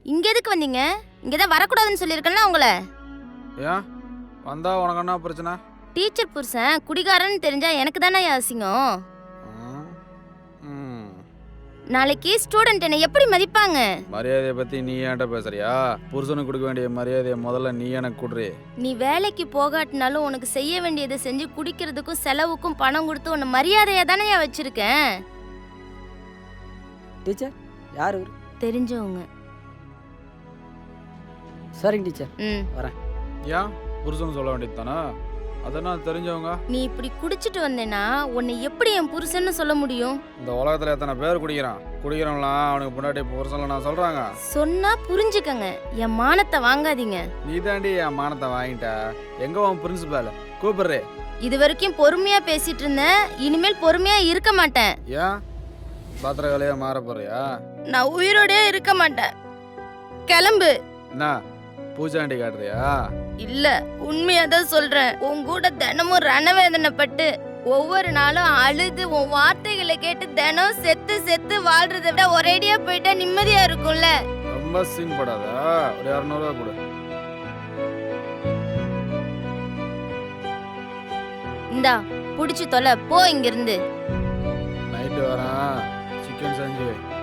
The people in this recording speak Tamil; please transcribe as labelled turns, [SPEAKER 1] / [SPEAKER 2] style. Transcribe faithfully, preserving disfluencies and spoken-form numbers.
[SPEAKER 1] இங்க எதுக்கு வந்தீங்க? இங்கதான் வரக்கூடாதுன்னு சொல்லியிருக்கேன்ல உங்களை.
[SPEAKER 2] ஏன் வந்தா உனக்கு என்ன பிரச்சனை?
[SPEAKER 1] டீச்சர் புருஷன் குடிகாரன்னு தெரிஞ்சா எனக்கு தானே அசிங்கம்.
[SPEAKER 2] ம், ம்.
[SPEAKER 1] நாளைக்கு ஸ்டூடெண்ட் என்னை எப்படி மதிப்பாங்க?
[SPEAKER 2] மரியாதையை பத்தி நீ ஏன்ட்ட பேசுறியா? புருஷனுக்கு கொடுக்க வேண்டிய மரியாதையை முதல்ல நீ எனக்கு கொடுறி.
[SPEAKER 1] நீ வேலைக்கு போகாட்டினாலும் உனக்கு செய்ய வேண்டியதை செஞ்சு குடிக்கிறதுக்கும் செலவுக்கும் பணம் கொடுத்து உன்னை மரியாதையா தானே வச்சிருக்கேன்.
[SPEAKER 3] டீச்சர் யார் இவர்?
[SPEAKER 1] தெரிஞ்சவங்க.
[SPEAKER 3] சரிங்க டீச்சர்,
[SPEAKER 1] ம்
[SPEAKER 3] வரேன்.
[SPEAKER 2] ஏன் புருஷன் சொல்ல வேண்டியது தானே? அதெல்லாம் தெரிஞ்சவங்க.
[SPEAKER 1] நீ இப்படி குடிச்சிட்டு வந்தேன்னா உன்னை எப்படி என் புருஷன்னு சொல்ல முடியும்?
[SPEAKER 2] இந்த உலகத்துல எத்தனை பேர் குடிக்கிறான்? குடிக்கிறவங்களாம் அவனுக்கு முன்னாடி புருஷன்ல நான் சொல்றாங்க.
[SPEAKER 1] சொன்னா புரிஞ்சுக்கங்க, என் மானத்தை வாங்காதீங்க.
[SPEAKER 2] நீ தாண்டி என் மானத்தை வாங்கிட்ட. எங்க உன் பிரின்சிபால்? கூப்பிடுறே.
[SPEAKER 1] இது வரைக்கும் பொறுமையா பேசிட்டு இருந்தேன், இனிமேல் பொறுமையா இருக்க மாட்டேன்.
[SPEAKER 2] ஏன் பாத்திரக்காலையா மாற போறியா?
[SPEAKER 1] நான் உயிரோடே இருக்க மாட்டேன். கிளம்பு.
[SPEAKER 2] என்ன பூச்சாண்டி காட்டுறியா?
[SPEAKER 1] இல்ல, உண்மையாதான் சொல்றேன். உன் கூட தினமும் ரணவேதனைப்பட்டு ஒவ்வொரு நாளும் அழுது உன் வார்த்தைகளை கேட்டு தினம் செத்து செத்து வாழ்றதை விட ஒரேடியா போயிட்டா நிம்மதியா இருக்கும்ல.
[SPEAKER 2] ரொம்ப சீன் போடாத. ஒரு இரநூறுவா கொடு.
[SPEAKER 1] இந்தா புடிச்சு தொலை, போ இங்கிருந்து.
[SPEAKER 2] நைட்டு வரேன், சிக்கன் செஞ்சு வை.